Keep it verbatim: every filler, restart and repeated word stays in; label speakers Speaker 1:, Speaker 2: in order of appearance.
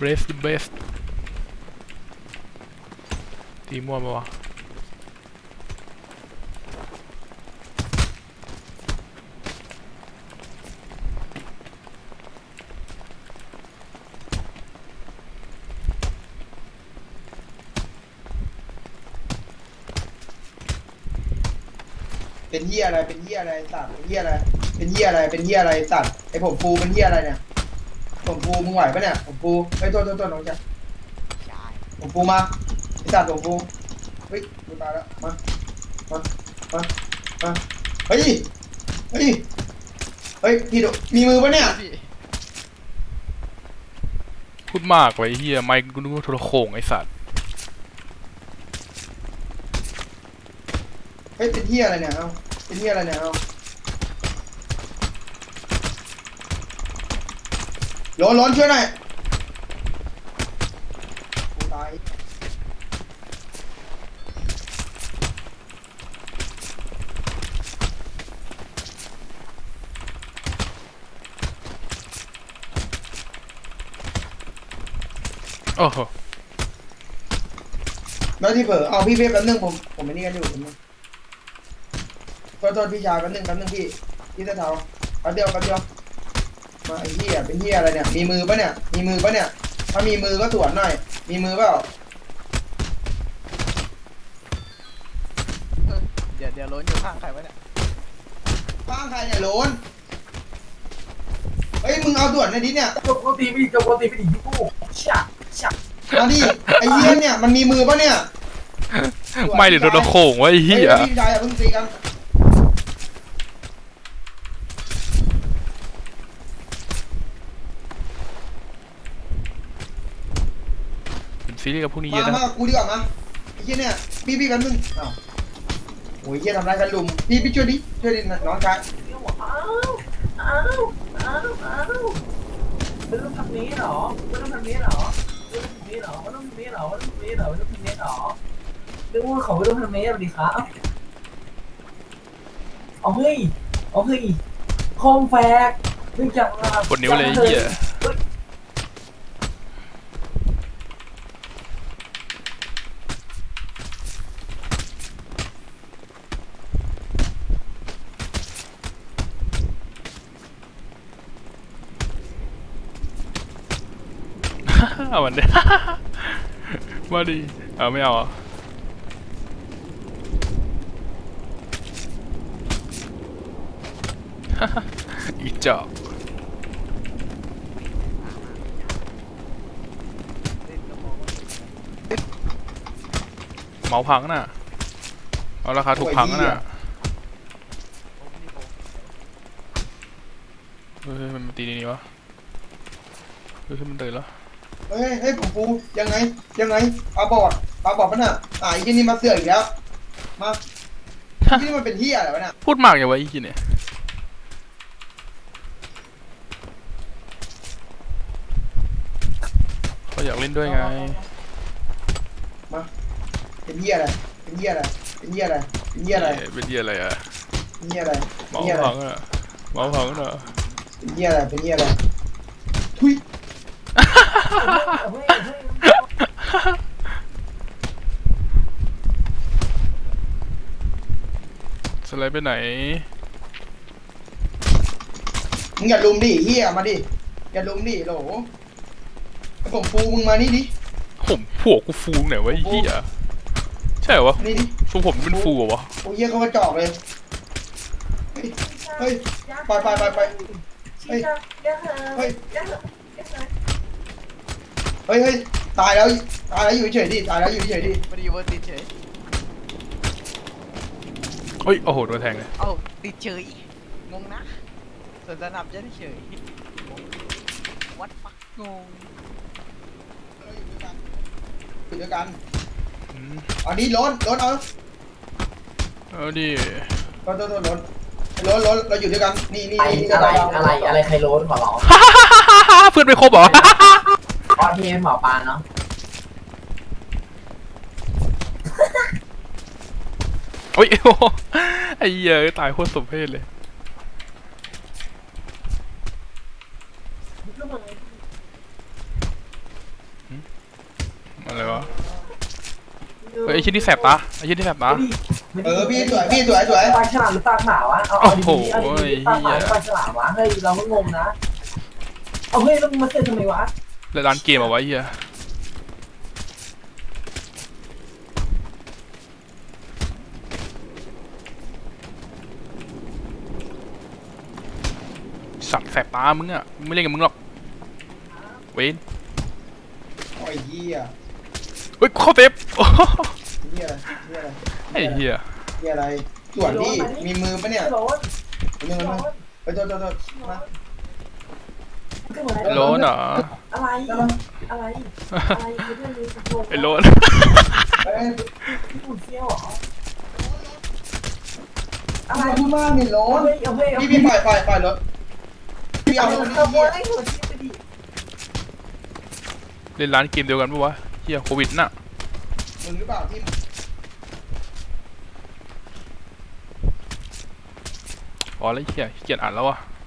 Speaker 1: brave the best ตีมั่วปะวะ
Speaker 2: เป็นเหี้ยอะไรเป็นเหี้ยอะไรสัตว์เป็นเหี้ยอะไรเป็นเหี้ยอะไรเป็นเหี้ยอะไรสัตว์ไอผมฟูเป็นเหี้ยอะไรเนี่ยผมฟูมึงไหวปะเนี่ยผมฟูไอโทษโทษโทษน้องจ๊ะผมฟูมาไอสัตว์ผมฟูเฮ้ยกูตายแล้วมามามามาเฮ้ยเฮ้ยเฮ้ยพี่ดูมีมือปะเนี่ย
Speaker 1: พูดมากไว้เฮียไม่กูนึกว่าโทรโขงไอสัตว์
Speaker 2: เฮ้ยเป็นเหี้ยอะไรเนี่ยเอาเป็นเหี้ยอะไรเนี่ยเอาร้อนร้อนช่วยหน่อยกูตาย
Speaker 1: โอ้โห
Speaker 2: แล้วที่เผลอเอาพี่เป๊ะแป๊บนึงผมผมไม่นี่กันอยู่ผมขอโทษพี่ชายแป๊บนึงแป๊บนึงพี่พี่ตะเทาแป๊บเดียวแป๊บเดียวมาไอ้เหี้ยเป็นเหี้ยอะไรเนี่ยมีมือปะเนี่ยมีมือปะเนี่ยถ้ามีมือก็สวนหน่อยมีมือเปล่า
Speaker 3: เดี๋ยวเดี๋ยวล้นอยู่ข้างใครวะเนี่ย
Speaker 2: ข้างใครเนี่ยโหลนเฮ้ยมึงเอาด่วนในดิเนี่ย
Speaker 4: จบโปรตีไม่ดีจบโปรตีไม่ดียูชักชัก
Speaker 2: มาดิไอ้เหี้ยเนี่ยมันมีมือปะเนี่ย
Speaker 1: ไม่เดี๋ยวโดนโขงไว้เฮีย
Speaker 2: พี่ชายอย่าเพิ่งตีกัน
Speaker 1: เป็นซีรีส์กับพวกนี้เย
Speaker 2: มา
Speaker 1: อะนะ
Speaker 2: มากูดีกว่ามาไอ้เหี้ยเนี่ยพี่พี่แป๊บนึงอ้าวโอ้ยเหี้ยทำร้ายกันลุมพี่พี่ช่วยดิช่วยดิน้องชาย
Speaker 4: อ้าวอ้าวอ้าวอ้าวไม่ต้องทำนี้หรอไม่ต้องทำนี้หรอไม่ต้องทำนี้หรอไม่ต้องทำนี้หรอไม่ต้องทำนี้หรอไม่ต้องทำนี้หรอเรื่องว่าเขาไม่ต้องทำนี้สวัสดีครับเอาเฮ้ยเอาเฮ้ยคอมแฟกไม่จับ
Speaker 1: ปวดนิ้วเลยเฮียเอามันดิมาดิเอาไม่เอาอ่ะอีจอกเมาพังน่ะเอาราคาถูกพังน่ะเฮ้ยมันตีนี่วะเฮ้ยมันตื่นแล้ว
Speaker 2: เฮ้ยเฮ้ยผมฟูยังไงยังไงปาบอดปาบอดปะน่ะอ่าไอ้ที่นี่มาเสือกอีกแล้วมาที่นี่มันเป็นเหี้ยอะไรวะเนี่ย
Speaker 1: พูดมากอย่างวะไอ้ที่เนี่ยเขาอยากเล่นด้วยไง
Speaker 2: มาเป็นเหี้ยอะไรเป็นเหี้ยอะไรเป็นเหี้ยอะไรเป็นเหี้ยอะไร
Speaker 1: เป็นเหี้ยอะไรอ่ะ
Speaker 2: เป็นเหี้ยอะไร
Speaker 1: เมาพังอ่ะเมาพังอ่ะ
Speaker 2: เป็นเหี้ยอะไรเป็นเหี้ยอะไรทุย
Speaker 1: สไลด์ไปไหน
Speaker 2: มึงอย่าลุมดิเหี้ยมาดิอย่าลุมดิโหลผมฟูมึงมานี่ดิ
Speaker 1: ผมผัวกูฟูไหนวะไอ้เหี้ยใช่เหรอวะ
Speaker 2: นี่ดิ
Speaker 1: ฟูผมเป็นฟูเหรอวะ
Speaker 2: โอ้ยเหี้ยเขากระจอกเลยเฮ้ยไปไปไปไปเฮ้ยเฮ้ยเฮ้ยเฮ้ยตายแล้วตายแล้วอยู่เฉยดิตายแล้วอยู่เฉยดิ
Speaker 3: ไม่ได้เวอร์ติดเฉย
Speaker 1: เฮ้ยโอ้โหโดนแทงเลย
Speaker 3: เอ้าติดเฉยงงนะส่วนสนับจะได้เฉยวัดปักงง
Speaker 2: อยู่ด้วยกันเอาดิล้นล้นเอา
Speaker 1: เอาดิ
Speaker 2: ล้นล้นล้นล้นล้นเราอยู่ด้วยกันนี่นี่
Speaker 4: อะไรอะไรอะไรใครโล้นขอร้อง
Speaker 1: เพื่อนไม่ครบเหรอ
Speaker 4: อ๋อที่หมอปลาเนาะ
Speaker 1: โอ้ยไอ้เหี้ยตายโคตรสมเพชเลยอะไรวะเฮ้ยไอ้ชิ้นที่แสบตาไอ้ชิ้นที่แสบตา
Speaker 2: เออพี่สวยพี่สวยสวย
Speaker 4: ปลาฉลามหรือปลาขาวะเอาเอาดีๆเอาดีๆปลาขาวหรือปลาฉลามวะเฮ้ยเราก็งงนะเอาเฮ้ยแล้วมึงมาเซ็นทำไมวะ
Speaker 1: แล้วร้านเกมเอาไว้เฮียสัตว์แสบตามึงอ่ะมึงไม่เล่นกับมึงหรอกเวน
Speaker 2: โอ้ยเหี้ย
Speaker 1: เฮ้ยเข้าเต็บโอ้โห
Speaker 2: เหี้ยเหี้ยอะไร
Speaker 1: ไอ้เฮีย
Speaker 2: เหี้ยอะไรส่วนพี่มีมือปะเนี่ย
Speaker 4: โล้น
Speaker 2: มือมันไปโทษโทษโทษมา
Speaker 1: โลนเหรอ
Speaker 4: อะไรอะไรอะไรไม่ได้เลย
Speaker 1: ไอ้โลน
Speaker 2: เอ้ย
Speaker 4: ญี่ปุ่นเซี่ยวเหรออะ
Speaker 2: อะไร ไรพูดมากนี่โล้
Speaker 4: เอา
Speaker 2: น
Speaker 4: เฮ้ยเอาเฮ้ยเอา
Speaker 2: พี่
Speaker 4: เฮ้
Speaker 2: พี่
Speaker 4: ย
Speaker 2: ปล่อยปล่อยปล่อยรถพี่เอา
Speaker 4: เอา
Speaker 2: รถ
Speaker 4: เอา
Speaker 2: นี่
Speaker 4: ไอ้หัวที่ไปดิ
Speaker 1: เล่นร้านเกมเดียวกันปะวะเฮียโควิดน่ะ
Speaker 2: มึงหรือเปล่าที่
Speaker 1: อ๋อแล้วเฮียขี้เกียจอ่านแล้ววะ